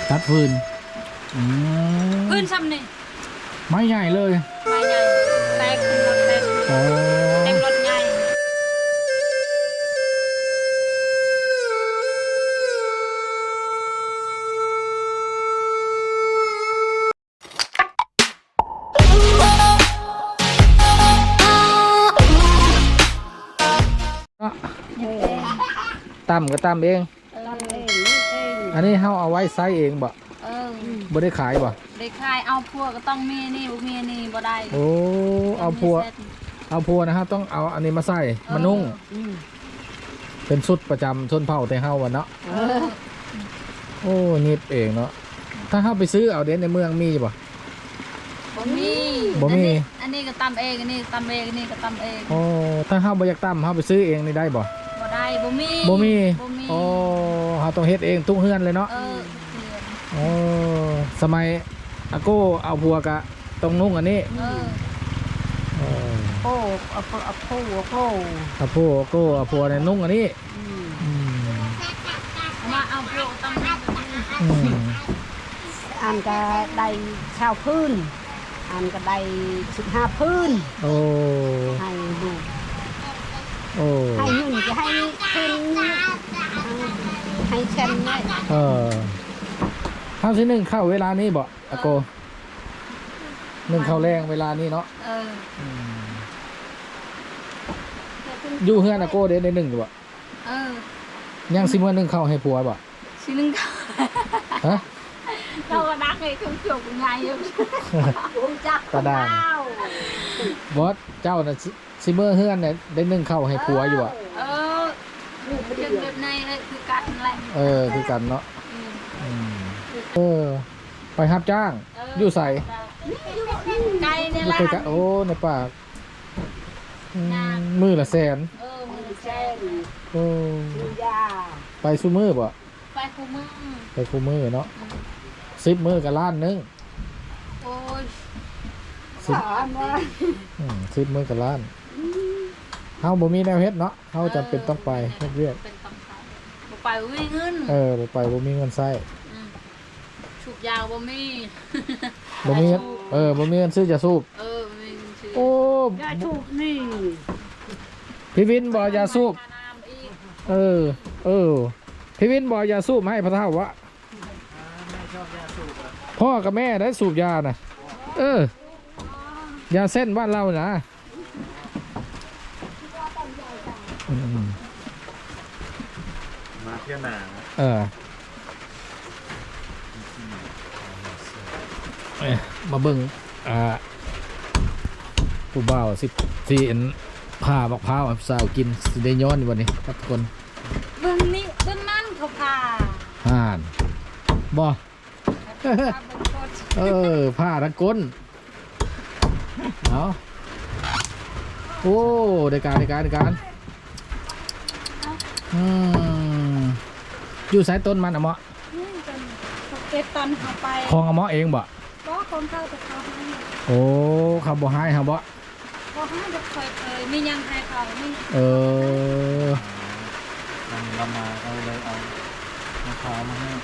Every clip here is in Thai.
ตัดฟืนฟืนซ้ำนี่ไม้ใหญ่เลยไม้ใหญ่แตกขึ้นรถแตกเต็มรถใหญ่ตำก็ตำเองอันนี้เขาเอาไว้ไซส์เองบ่บ่ได้ขายบ่ได้ขายเอาพัวก็ต้องมีนี่บ่มีนี่บ่ได้โอ้เอาพัวนะครับต้องเอาอันนี้มาใส่มานุ่งเป็นชุดประจำชนเผ่าแต่เฮาวันเนาะโอ้นิบเองเนาะถ้าเฮาไปซื้อเอาเด่นในเมืองมีบ่บ่มีอันนี้ก็ตำเองอันนี้ตำเองอันนี้ก็ตำเองโอ้ถ้าเฮาบ่อยากตำเฮาไปซื้อเองนี่ได้บ่ได้บ่มีโอ้เฮาต้องเฮ็ดเองทุกเฮือนเลยเนาะโอ้สมัยอาโก้เอาพัวกะต้องนุ่งอันนี้โอ้เอาพัวเอาพัวในนุ่งอันนี้มาเอาพัวต้องอันก็ได้ชาวพื้นอันก็ได้15พื้นโอ้ให้ดูโอ้ให้หนึ่งจะให้พื้นให้เช่นนี้ข้าวที่หนึ่งเข้าเวลานี้บ่อาโกหนึ่งเข้าแรงเวลานี้เนาะอยู่เฮือนอาโกเด้ในหนึ่งอยู่บ่ยังซิมื่อหนึ่งเข้าให้ผัวบ่ซิหนึ่งเข้าฮะเราก็นักเลยเครื่องจุกไงอยู่จักกระด้างบอสเจ้าน่ะซิมื่อเฮือนเนี่ยได้หนึ่งเข้าให้ผัวอยู่บ่เรื่องแบบในคือกันแหละคือกันเนาะไปรับจ้างอยู่ใส่ไกลเนี่ยแหละโอ้ในปากมือละแสนมือละแสนโอ้ไปซูมือบ่ไปคูมือเนาะ10 มือกับล้านนึงโอ้ย 10 มือกับล้านเฮาบ่มีแนวเฮ็ดเนาะเฮาจำเป็นต้องไปเฮ็ดเวียกบ่ไปบ่มีเงินบ่ไปบ่มีเงินใช้สูบยาบ่มีบ่มีบ่มีเงินซื้อยาสูบบ่มีเงินซื้อโอ้ยาสูบนี่พี่วินบ่ยาสูบพี่วินบ่ยาสูบให้พระเฒ่าวะพ่อกับแม่ได้สูบยาน่ะยาเส้นบ้านเรานะมาเที่ยวหนามาเบิ่งผู้บ่าวที่ผ่าบักพร้าวสาวกินสิได้ย้อนวันนี้ครับทุกคนเบิ่งนี่เบิ่งนั่นเขาผ่าบ่ผ่าทั้งก้นเอาโอ้ได้การอยู่สายต้นมันอะเมาะเก็บตอนเขาไปของอะเมาะเองบ่ก็ของเขาแต่เขาให้โอ้เขาบ่ให้เขาบ่เขาให้จะเคยมียังให้เขาไม่เรามาเอาเลยเอามะพร้าวมาให้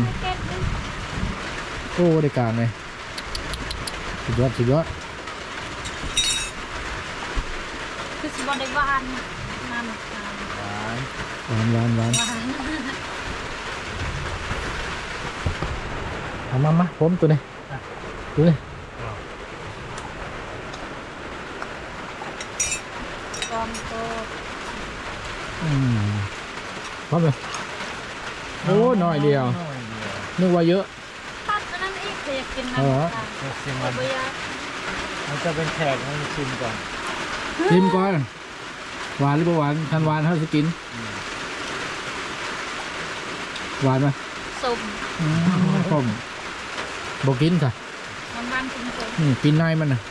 โอ้ได้การเลยสุดยอดคือสิบได้หวานนั่นหวานเอามาผมตัวนี้ดูเลยกอมโตพร้อมเลยโอ้หน่อยเดียวนึกว่าเยอะตัดอันนั้นอีกอยากกินน้ำชิมมันจะเป็นแขกให้ชิมก่อนหวานหรือเปล่าหวานทันหวานเท่าจะกินหวานไหมส้มบอกกินค่ะมันกินกินในมันนะ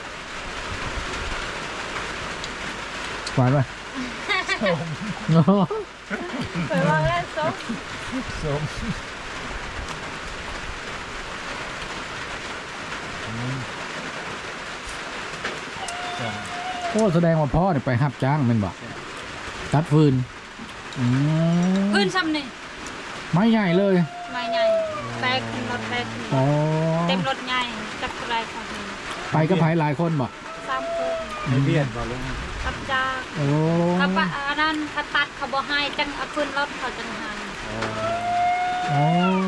หวานไหมส้มเคยว่าแล้วส้มโอ้แสดงว่าพ่อเนี่ยไปหับจ้างมันบอกตัดฟืนซ้ำนี่ไม้ใหญ่เลยไม้ใหญ่แตกรถแตกอ๋อเต็มรถใหญ่จักรไรค่ะไปก็ไปหลายคนบ่ 3 คนไม่เบียดบ่ลุงกับจ้าโอ้เขาปะอันนั้นเขาตัดเขาบ่ให้จังเอาขึ้นรถเขาจังให้อ๋อ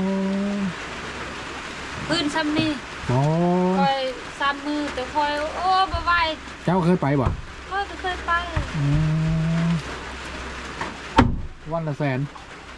พื้นซ้ำนี่อ๋อคอย3 มือแต่คอยโอ้บ่ไหวเจ้าเคยไปบ่คอยก็เคยไปอืมวันละแสน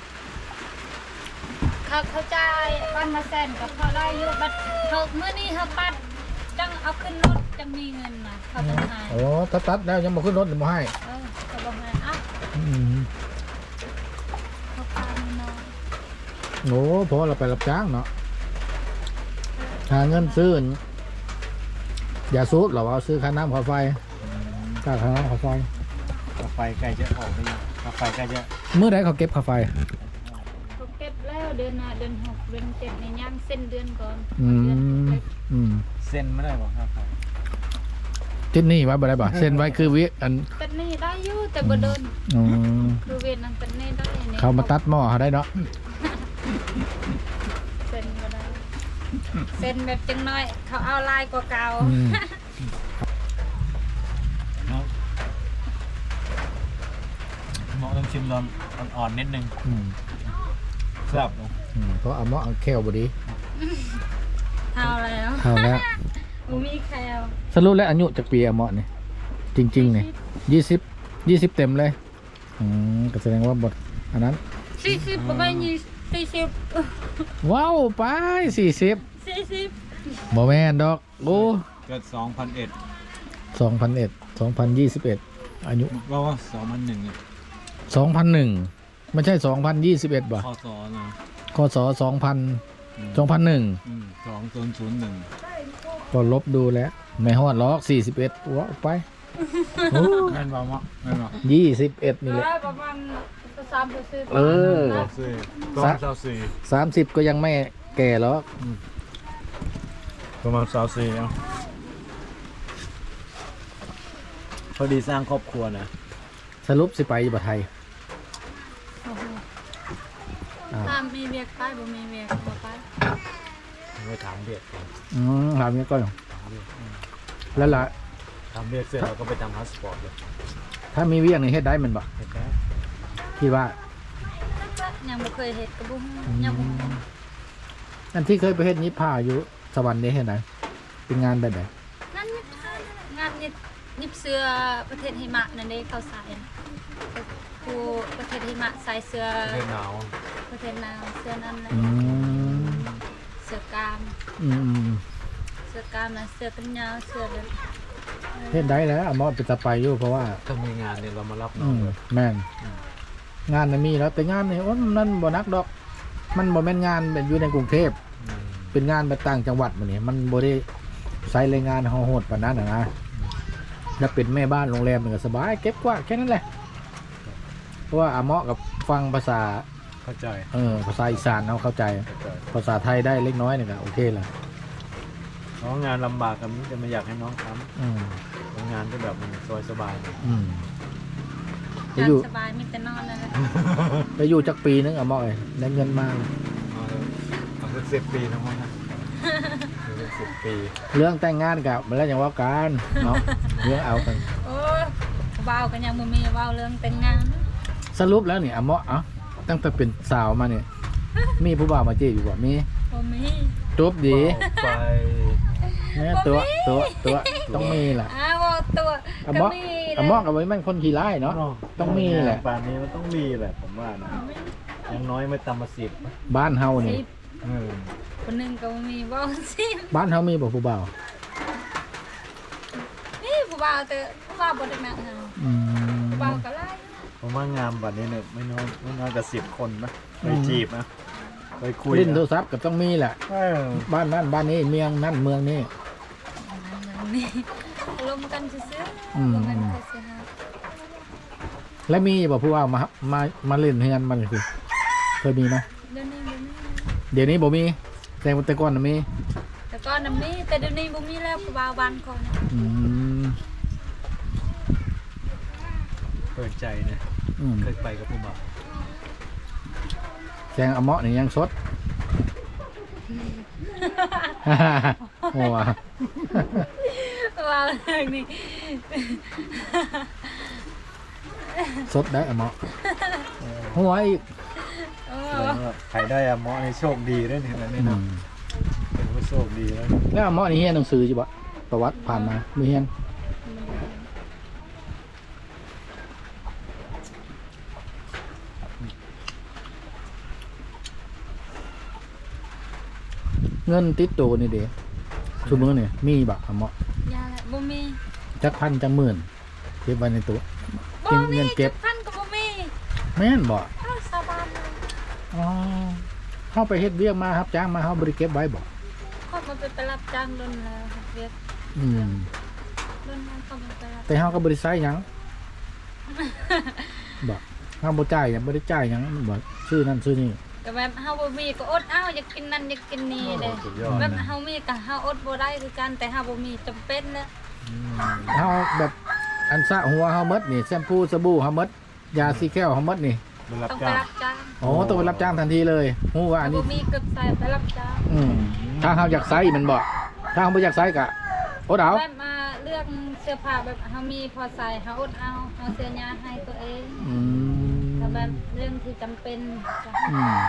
เขาจ่ายวันละแสนก็พอได้อยู่บัดเขามื้อนี้เขาตัดจังเอาขึ้นรถจังมีเงินน่ะเขาจังให้โอ้ถ้าตัดแล้วยังบ่ขึ้นรถหรือบ่ให้เขาบ่ให้อ่ะอืมเขาพามาน้อยโอ้พอเราไปรับจ้างเนาะหาเงินซื้ออย่าซูบเราเอาซื้อค่าน้ำค่าไฟค่าน้ำค่าไฟกาไฟใกล้จะออกไปยังกาไฟใกล้จะเมื่อใดเขาเก็บค่าไฟเขาเก็บแล้วเดือนหน้าเดือน6เดือน7นี่ย่างเส้นเดือนก่อนอืเดือนมเล็กอืมเส้นไม่ได้บอกกาไฟที่นี่ไว้บ่ได้บ่เส้นไว้คือวิอันตัดนี่ได้อยู่แต่บ่เดินอืมดูเวียนนั้นตัดนี่ได้นี่เขามาตัดหม้อเขาได้เนาะเส้นบ่ได้เส้นแบบจังน้อยเขาเอาลายกว่าเก่าอืมเนาะเหมาะต้องชิมร้อนอ่อนๆนิดนึงอืมครับลุงอืมเพราะเอาหม้อเอาแควบ่ดีเท่าแล้วเท่าแล้วบ่มีแคลสรุปแล้วอายุจากปีอะหม้อนี่จริงๆนี่20เต็มเลยอืมก็แสดงว่าบทอันนั้น 40บ่ได้40 ว้าวไป40 40 บ่แม่นดอกโอ้เกิด2001 2001 2021อายุว่า2001เนี่ย 2001ไม่ใช่2021บ่คศนะคศ2001 2001 ก็ลบดูแล้วไม่ฮอดล็อก41ว้าวไปโอ้แม่นบ่เหมาะแม่นบ่ 21นี่แหละประมาณ30 เออประมาณ24 30ก็ยังไม่แก่หรอกประมาณ24เนาะพอดีสร้างครอบครัวนะสรุปสิไปอยู่บ่ไทยถ้ามีเวียกไปบ่มีเวียกบ่ไปไปถามเบียดก่อนถามนี้ก่อนแล้วล่ะถามเบียดเสร็จเราก็ไปทำพาสปอร์ตเลยถ้ามีเวียงนี่เฮ็ดได้แมันบ่เห็นไหมคิดว่ายังบ่เคยเฮ็ดก็บ่ฮู้ยังบ่ฮู้อันที่เคยไปเฮ็ดยิบผ้าอยู่สวรรค์นี่เฮ็ดไหนเป็นงานแบบไหนนั่นงานยิบเสื้อประเทศหิมะนั่นเด้เขาใส่ผู้ประเทศหิมะใส่เสื้อประเทศหนาวประเทศลาวเสื้อนั้นแหละอืมเสื้อกล้ามอืมเสื้อกล้ามนะเสื้อกันยาวเสื้อแบบเฮ็ดได้แล้วเอาหมอไปจะไปอยู่เพราะว่าถ้ามีงานเนี่ยเรามารับน้องเลยแม่นงานน่ะมีแล้วแต่งานนี่โอ้นั่นบ่นักดอก มันบ่แม่นงานแบบอยู่ในกรุงเทพเป็นงานแบบต่างจังหวัดมื้อนี้มันบ่ได้ใช้แรงงานโหดปานนั้นน่ะนะแล้วเป็นแม่บ้านโรงแรมนี่ก็สบายเก็บกวาดแค่นั้นแหละเพราะว่าอาเหมาะกับฟังภาษาเข้าใจภาษาอีสานเราเข้าใจ ภาษาไทยได้เล็กน้อยนี่ก็โอเคละน้องงานลำบากกับนี้จะไม่อยากให้น้องทอืมำงานที่แบบมันสบายสบายอืมไปงาอยู่นสบายมีแต่นอนนั่นแหละไปอยู่จักปีนึงอาเหมาะเลยได้เงินมาเอาสัก10 ปีทั้งหมดนะ10 ปีเรื่องแต่งงานกับมันแล้วอย่างว่ากันเนาะเรื่องเอากันโอ้ยเว้ากันยังบ่มีเว้าเรื่องแต่งงานสรุปแล้วนี่อาเหมาะตั้งแต่เป็นสาวมาเนี่ยมีผู้บ่าวมาจีบอยู่บ่มีบ่มีจบดีไปเนี่ยตัวต้องมีแหละอ้าวตัวอาก็เหมาะมีอาเหมาะกับไว้แม่งคนขี้ร้ายเนาะ ต้องมีแหละป่านนี้มันต้องมีแหละผมว่านะอยังน้อยไม่ต่ำกว่า10 บ้านเฮานี่สิบคนหนึงก็บ่มีเว้าสิบบ้านเฮามีบ่ผู้บ่าวนี่ผู้บ่าวแต่ผู้บ่าวบ่ได้มาหาอืมผู้บ่าวก็หลายผมว่างานบัดนี้เนี่ยไม่น้อยกว่า10 คนนะไปจีบนะไปคุยเล่นโทรนะศัพท์ก็ต้องมีแหละเออบ้านนั้นบ้านนี้เมืองนั่นเมืองนี้อย่างนี้ลมกันซื่ออืมๆลมกันซื่อและมีบ่ผู้ว่ามาเล่นเฮือนมันคือเคยมีไหมๆเดี๋ยวนี้เดี๋ยวนี้บ่มีแต่ก่อนน่ะมีแต่ก่อนน่ะมีแต่เดี๋ยวนี้บ่มีแล้วผู้บ่าวบ้านก่อนน่ะอืมเปิดใจนะอืมเคยไปกับผู้บ่าวแจงอะเมาะนี่ยังสดหัวว่าเรื่องนี้สดได้อะหมอหัวอีกเอแสอดงว่าใครได้อะหมอในโชคดีด้วยนี่นะนี่นะเป็นผู้โชคดีแล้วแล้วอะหมอนี่เฮียนหนังสือจิบ่ประวัติผ่านมามือเฮียนเงินติดตัวนี่เด้ชุมือนี่มีบ่อะหมอยาแหละบ่มีจักพันจักหมื่นเก็บไว้ในตัวบ่เงิมีนเก็บพันก็บ่มีแม่นบ่อ้าวสาบานเลยอ๋อเฮาไปเฮ็ดเวียกมาครับจ้างมาเฮาบ่ได้เก็บไว้บ่เขามาไปรับจ้างโดนแล้วครับเวียกอืมโดนแล้วเขามาไปรับแต่เฮาก็บ่ได้ใช้หยังบ่เฮาบ่จ่ายหยังบ่ได้จ่ายหยังมันบ่ซื้อนั่นซื้อนี่ก็แบบเฮาบ่มีก็อดเอาอยากกินนั่นอยากกินนี่เด้สุดยอดแบบนะเฮามีก็เฮาอดบ่ได้คือกันแต่เฮาบ่มีจำเป็นนะเฮาแบบอันสระหัวเฮาหมดนี่แชมพูสบู่เฮาหมดยาสีแก้วเฮาหมดนี่มันรับต้องไปจ้างรับจ้างอ๋อต้องไปรับจ้างทันทีเลยฮู้ว่าอันบ่นี้มีเก็บใส่ไปรับจ้างถ้าเฮาอยากใช้มันบ่ถ้าเฮาบ่อยากใช้ก็อดเอาแบบมาเลือกเสื้อผ้าแบบเฮามีพอใส่เฮาอดเอาเฮาเสื้อยาให้ตัวเองอืมแต่แบบเรื่องที่จำเป็นจะอืม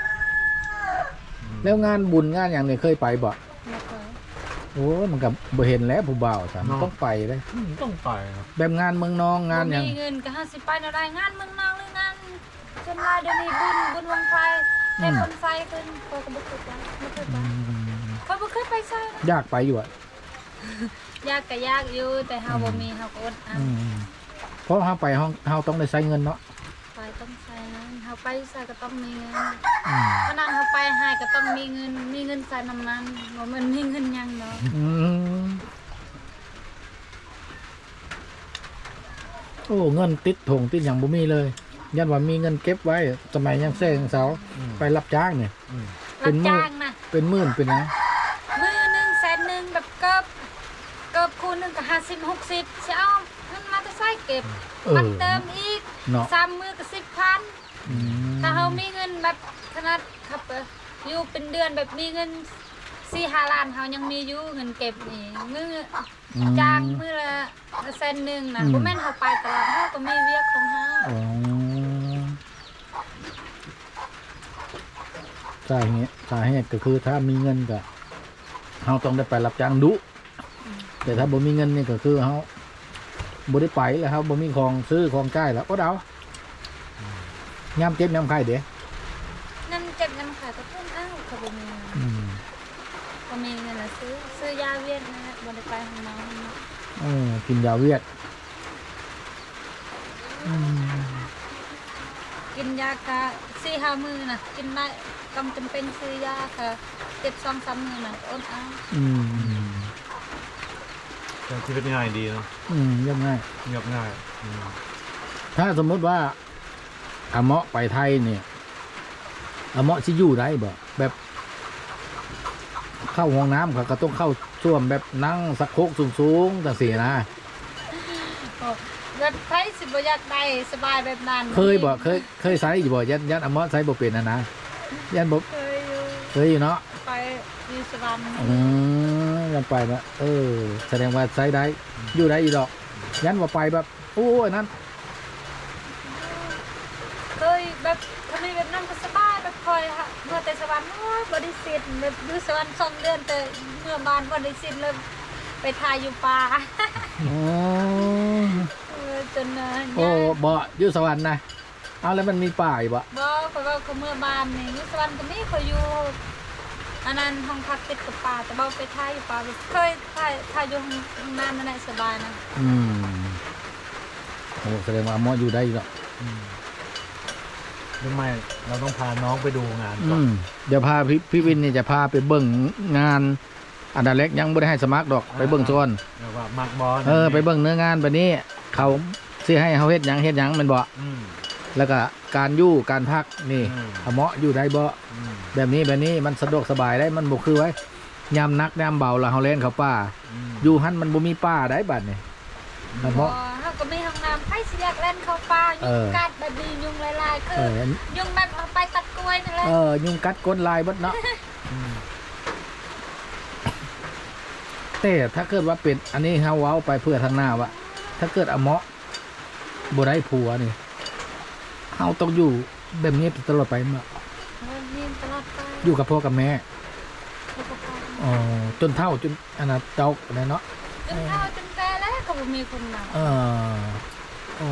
แล้วงานบุญงานอย่างนี้เคยไปบ่ไม่เคยโอ้มันก็บ่เห็นแล้วผู้บ่าวซะมันต้องไปเลยต้องไปครับแบบงานเมืองนองงานหยังบ่มีเงินก็เฮาสิไปเนาะได้งานเมืองนอกหรืองานจนว่าเดี๋ยวนี้บุญวงไฟให้คนใส่ขึ้นข้อยก็บ่เคยไปบ่เคยไปข้อยบ่เคยไปใส่อยากไปอยู่อ่ะยากก็ยากอยู่แต่เฮาบ่มีเฮาก็อดเอาเพราะเฮาไปห้องเฮาต้องได้ใช้เงินเนาะไปต้องใช้เงินเฮาไปใส่ก็ต้องมีเงินอืมเพราะนั้นเฮาไปให้ก็ต้องมีเงินใส่น้ำมันบ่แม่นมีเงินหยังเนาะอืมโอ้เงินติดถงติดอย่างบ่มีเลยยันว่ามีเงินเก็บไว้สมัยยังแซงเสาไปรับจ้างเนี่ย เป็รับนมื้อจ้างนะเป็นหมื่นเป็นนะมื้อหนึงแสนหนึงแบบเกิบคูณหนึงก็50 60สิเอาเงินมาจะใส่เก็บเออมันเติมอีกเนาะ 3มื้อก็10,000 อืมถ้าเฮามีเงินแบบขนาดครับอยู่เป็นเดือนแบบมีเงิน4-5 ล้านเฮายังมีอยู่เงินเก็บนี่มื้อจ้างมื้อละแสนหนึงนะบ่แม่นเฮาไปตลาดเฮาก็มีเวียกของเฮาอ๋อสาเหตุก็คือถ้ามีเงินก็เฮาต้องได้ไปรับจ้างดุแต่ถ้าบ่มีเงินนี่ก็คือเฮาบ่ได้ไปแล้วครับบ่มีของซื้อของจ่ายแล้วอดเอายามเจ็บยามไข้เด้นั่นเจ็บน้ำขาก็เพิ่นอ้าวเขาบ่มีเงินอืมบ่มีเงินน่ะซื้อยาเวียดนะบ่ได้ไปห้องน้ำเนาะกินยาเวียดอืมกินยากะ4-5 มื้อน่ะกินได้ต้องจำเป็นซื้อยาค่ะ7-2-3 มื้อน่ะอดเอาอืมแต่ชีวิตง่ายดีเนาะเรียบง่ายเงียบง่ายถ้าสมมติว่าอาเมาะไปไทยเนี่ยอาเมาะสิอยู่ได้บ่แบบเข้าห้องน้ำเขาก็ต้องเข้าช่วมแบบนั่งสักโครกสูงๆจังซี่นะแบบไผสิบ่อยากได้สบายแบบนั้นเคยบ่เคยใส่อยู่บ่ยันอาเมาะใส่บ่เป็นนะยันบ่เคยอยู่เคยอยู่เนาะไปอยู่สวรรค์ยันไปนะแสดงว่าใส่ได้อยู่ได้อีดอก ยันว่าไปแบบโอ้ยนั้นเคยแบบทำไมแบบนั้นก็สบายแบบคอยค่ะเมื่อแต่สวรรค์โอ้ยบริสิทธิ์แบบอยู่สวรรค์2 เดือนแต่เมื่อบ้านบริสิทธิ์เลยไปทายอยู่ป่าโอ้จนโอ้บ่อยู่สวรรค์นะเอาแล้วมันมีป่าอยู่บ่บ่เพราะว่าเขาเมื่อบ้านนี่อยู่สวรรค์ก็มีเขาอยู่อันนั้นห้องพักติดกับป่าแต่บ่ไปทายอยู่ป่าเคยทายอยู่ห้องน้ำนั่นแหละสบายนะโอ้แสดงว่าอาเมาะอยู่ได้อีดอกทำไมเราต้องพาน้องไปดูงานก่อนเดี๋ยวพาพี่วินนี่จะพาไปเบิ่งงานอันดับแรกยังไม่ได้ให้สมัครดอกไปเบิ่งโซนแล้วว่ามักบอลไปเบิ่งเนื้องานแบบนี้เขาสิให้เฮาเฮ็ดหยังแมันบ่อืมแล้วก็การอยู่การพักนี่อืมอาเมาะอยู่ได้บ่อืมแบบนี้มันสะดวกสบายได้มันบ่คือไว้ยามนักยามเบาแล้วเฮาเล่นเข้าป่าอืมอยู่หันมันบ่มีป่าได้บัดนี่อาบ่เมาะเฮาก็มีห้องน้ำใครสิอยากเล่นเข้าป่ายุงกัดแบบนี้ยุงหลายๆคือยุงแบบเอาไปตัดกล้วยนั่นแหละยุงกัดก้นลายเบิดเนาะอืมแต่ถ้าเกิดว่าเป็นอันนี้เฮาเว้าไปเพื่อทางหน้าว่าถ้าเกิดอะเหมาะบ่ได้ผัวนี่เฮาต้องอยู่แบบนี้ตลอดไปเมื่อยืนตลอดไปอยู่กับพ่อกับแม่แล้วก็ไปอ๋อจนเฒ่าจนอันน่ะเจ้าอะไรเนาะจนเฒ่าจนแก่แล้วก็บ่มีคนมาอ๋อ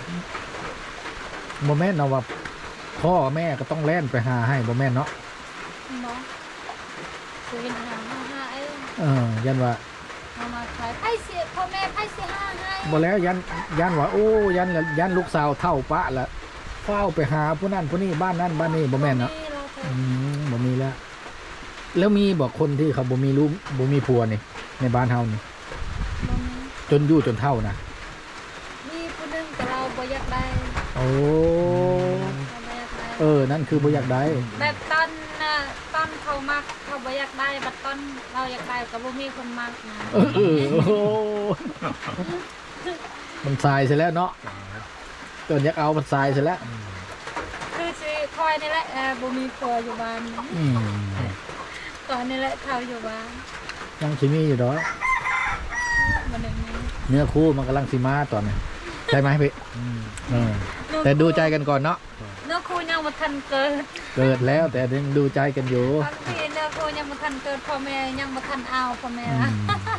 บ่แม่นเนาะว่าพ่อแม่ก็ต้องแล่นไปหาให้บ่แม่นเนาะบ่ซื้อหาเองยันว่าเอามาขายไผสิพ่อแม่ไผสิหาให้บ่แล้วยันว่าโอ้ยันลูกสาวเท่าปะละเฝ้าไปหาผู้นั้นผู้นี้บ้านนั้นบ้านนี้บ่แม่นเนาะเราเคยบ่มีแล้ว แล้วมีบอกคนที่เขาบ่มีลูกบ่มีผัวนี่ในบ้านเฮานี่บ่มีจนอยู่จนเท่านะมีผู้หนึงแต่เราบ่อยากได้โอ้เราบ่อยากได้นั่นคือบ่อยากได้แบบตอนเขามักเขาบ่อยากได้บัดตอนเราอยากได้ก็บ่มีคนมักนะโอ้มันทรายเสียแล้วเนาะจนอยากเอามันทรายเสียแล้วคือสิคอยนี่แหละบ่มีผัวอยู่บ้านอืมตอนนี้แหละเขาอยู่บ้านยังสิมีอยู่ดอกบ่ได้มีเนื้อคู่มันกำลังสิมาตอนนี้ใช่ไหมพี่แต่ดูใจกันก่อนเนาะเนื้อคู่ยังบ่ทันเกิดเกิดแล้วแต่ยังดูใจกันอยู่บางทีเนื้อคู่ยังบ่ทันเกิดพ่อแม่ยังบ่ทันเอาพ่อแม่ละ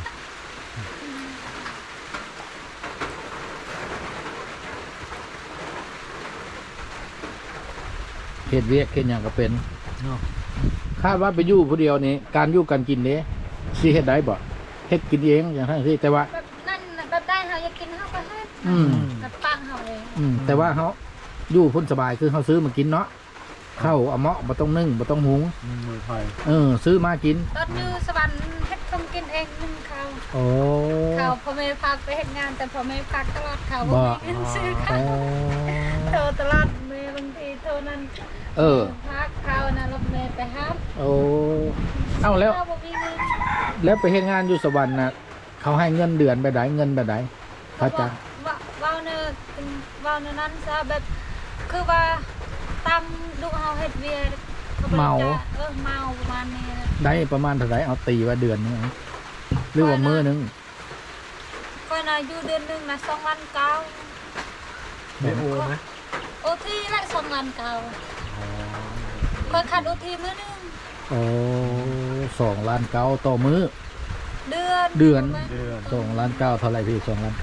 เฮ็ดเวียกเฮ็ดหยังก็เป็นคาดว่าไปอยู่ผู้เดียวนี่การอยู่กันกินนี้สิเฮ็ดได้บ่เฮ็ดกินเองอย่างทั้งที่แต่ว่าแบบนั้นน่ะแบบได้เฮาอยากกินเฮาก็เฮ็ดอืมแบบปังเฮาเองแต่ว่าเขาอยู่พ้นสบายคือเขาซื้อมากินเนาะข้าวเอาเหมาะบ่ต้องนึ่งบ่ต้องหุงมือไฟซื้อมากินตอนอยู่สวรรค์เฮ็ดต้องกินเองนึ่งข้าวโอ้ข้าวพ่อแม่พาไปเฮ็ดงานแต่พ่อแม่พักตลอดข้าวบ่บ่มีเงินซื้อข้าวโทรตลอดแม่บางทีโทรนั้น พักข้าวนะรถแม่ไปหาโอ้เอ้าแล้วข้าวบ่มีเงินแล้วไปเฮ็ดงานอยู่สวรรค์น่ะเขาให้เงินเดือนแบบใดเงินแบบใดพระอาจารย์ว้าวเนอะว้าวเนอะนั้นซะแบบคือว่าตามลูกเฮาเฮ็ดเวียขบริจคเมาประมาณนี้นะได้ประมาณเท่าไหร่เอาตีว่าเดือนนึงเอาหรือว่ามื้อนึงก็น่ะอยู่เดือนหนึงน่ะ2วันเก้าได้โอไหมโอทีละ2วันเก้าก็ขาดโอทีมื้อนึงโอ้2 ล้าน9ต่อมื้อเดือนเดือน 2 ล้าน9เท่าไหร่พี่2 ล้าน9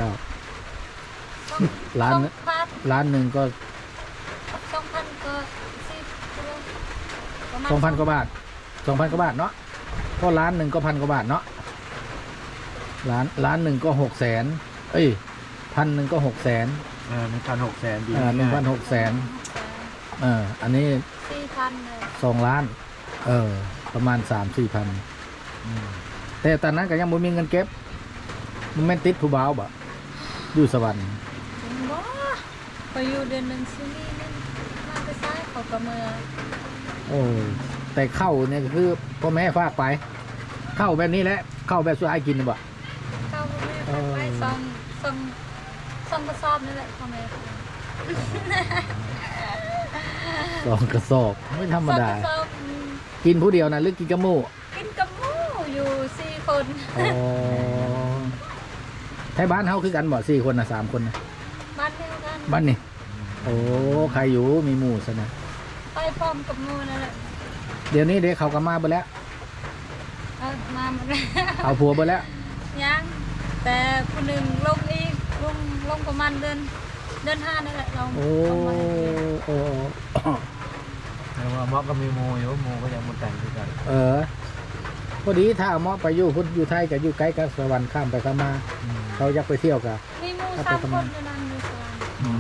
ล้าน 2,000 ล้านหนึ่งก็ 2,000ก็10ประมาณ 2,000 กว่าบาท 2,000 กว่าบาทเนาะก็ล้านหนึ่งก็1,000 กว่าบาทเนาะล้านหนึ่งก็600,000เอ้ย1,000ก็600,000 1,600,000ดี 1,600,000อันนี้ 4,000เลย 2 ล้านประมาณ 3-4 พันแต่ตอนนั้นก็ยังบ่มีเงินเก็บมันแม่นติดผู้บ่าวบ่อยู่สวรรค์บ่ไปอยู่เดือนหนึงซื้อนี่นั่นมาไปซ้ายเขาก็เมือโอ้แต่เข้าเนี่ยก็คือพ่อแม่ฝากไป เข้าแบบนี้แหละเข้าแบบสุดท้ายกินน่ะบ่เข้าพ่อแม่ฝากไปส่งกระสอบนี่แหละพ่อแม่ฝาก 2 กระสอบไม่ธรรมดาส่งกระสอบกินผู้เดียวนะหรือกินกับหมู่กินกับหมูอยู่4คนไทยบ้านเฮาคือกันบ่4 คนนะ3 คนนะบ้านเดียวกันบ้านนี่โอ้ใครอยู่มีหมู่ซะนะไปพร้อมกับหมูนั่นแหละเดี๋ยวนี้เด็กเขาก็มาเบิดแล้วมาหมดแล้วเอาผัวเบิดแล้วยังแต่คนหนึ่งลงอีกลงประมาณเดือน5นี่แหละลงโอ้ลงมาให้เดือนโอ้แต่ว่าเหมาะก็มีโมอยู่โมก็ยังมันแต่งด้วยกันพอดีถ้าเอาหมอไปอยู่พุ่นอยู่ไทยกับอยู่ไกลกับสวรรค์ข้ามไปข้ามมาเขาอยากไปเที่ยวกันมีหมู3คนอยู่นั่นอยู่สวรรค์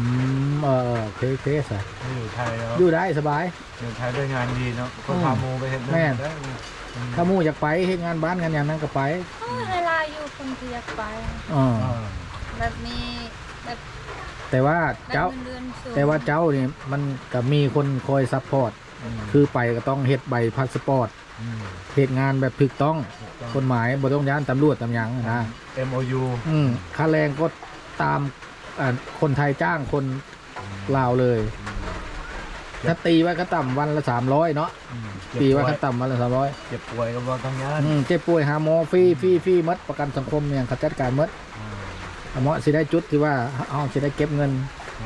เคสอะอยู่ไทยแล้วอยู่ได้สบายอยู่ไทยด้วยงานดีเนาะก็พาโมไปเห็นแม่ได้ถ้าหมู่อยากไปเฮ็ดงานบ้านงานอย่างนั้นก็ไปเวลาอยู่คนที่อยากไป แบบมีแบบแต่ว่าเจ้าเงินเดือนสูงแต่ว่าเจ้านี่มันก็มีคนคอยซัพพอร์ตคือไปก็ต้องเฮ็ดใบพาสปอร์ตเฮ็ดงานแบบถูกต้องกฎหมายบ่ต้องย้านตำรวจตำหยังนะ MOU ค่าแรงก็ตามคนไทยจ้างคนลาวเลย ถ้าตีไว้ก็ต่ำวันละ300เนาะตีไว้ขั้นต่ำมาละ300 เจ็บป่วยก็บ่ต้องยานเจ็บป่วยหาหมอฟรีหมดประกันสังคมเนี่ยเขาจัดการหมดหมอสิได้จุดที่ว่าเอาสิได้เก็บเงิน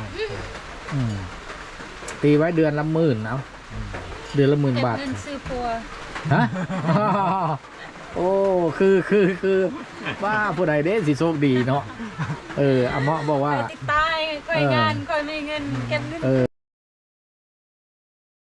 ตีไว้เดือนละ10,000เอาเดือนละ10,000 บาทเก็บเงินซื้อปัวฮะ โอ้คือว่าผู้ใดเด้สิโชคดีเนาะอาหมอบอกว่าไปติดตายก่อยงานก่อยมีเงินเก็บเงิน